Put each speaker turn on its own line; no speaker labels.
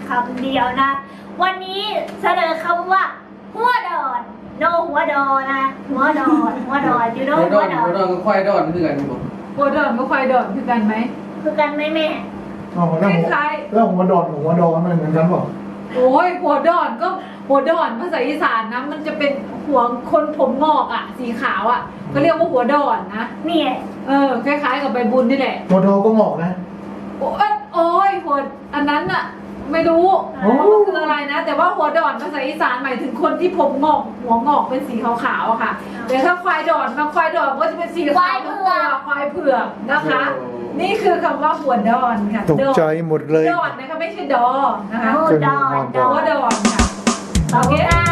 คำเดียวนะ วันนี้เสนอคำว่าหัวดอนโนหัวดอนนะหัวดอนอยู่โนหัวดอน
หัวดอนก็ควายดอนคือกันอยู่บ่
หัวดอนกับควายดอนคือกันไหม
คือกันไหมแม่
อ๋อแล้วหัวดอนกับหัวดอนมันเหมือนกันเปล่า
โอ้ยหัวดอนก็หัวดอนภาษาอีสานนะมันจะเป็นหัวคนผมงอกอ่ะสีขาวอ่ะก็เรียกว่าหัวดอนนะ
นี่
คล้ายๆกับใบบุญนี่แหละ
หัวดอนก็งอกนะ
โอ้ยหัวอันนั้นอ่ะไม่รู้
โอ้
ว่าคืออะไรนะ แต่ว่าหัวดอนภาษาอีสานหมายถึงคนที่ผมงอกหัวงอกเป็นสีขาวๆอะค่ะแต่ถ้าควายดอนควายดอนก็จะเป็นสีขาวควายเผือกนะคะ นี่คือคำว่าหัวดอนค่ะ
ตกใจหมดเลย
ดอนนะคะไม่ใช่ดอนะคะ
โนดอน
หัวดอนค่ะ
ขอบคุณค่ะ